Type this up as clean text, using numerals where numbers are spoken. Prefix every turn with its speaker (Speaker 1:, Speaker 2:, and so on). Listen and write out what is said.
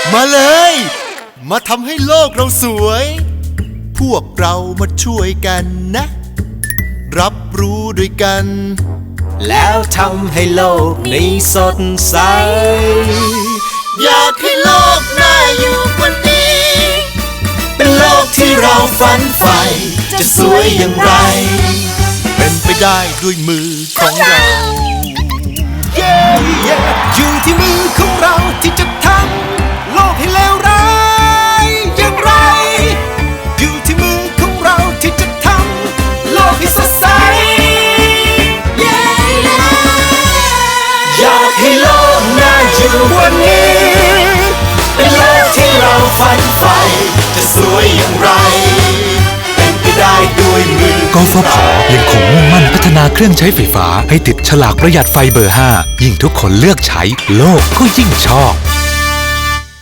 Speaker 1: มาเลย มาทำให้โลกเราสวย พวกเรามาช่วยกันนะ รับรู้ด้วยกัน
Speaker 2: แล้วทำให้โลกนี้สดใส
Speaker 1: อยากให้โลกน่าอยู่กว่านี้
Speaker 2: เป็นโลกที่เราฝันใฝ่จะสวยอย่างไร
Speaker 1: เป็นไปได้ด้วยมือของเรา
Speaker 2: อยู่ที่มือของเราที่จะทำโลกให้เลวร้ายอย่างไร อยู่ที่มือของเราที่จะทำโลกให้สดใส อยากให้โลกน่าอยู่กว่านี้ เป็นโลกที่เราฝันใฝ่จะสวยอย่างไร เป็นไปได้ด้วยมือก
Speaker 3: ฟผ.ยังคงมุ่งมั่นพัฒนาเครื่องใช้ไฟฟ้าให้ติดฉลากประหยัดไฟเบอร์ 5 ยิ่งทุกคนเลือกใช้โลกก็ยิ่งชอบ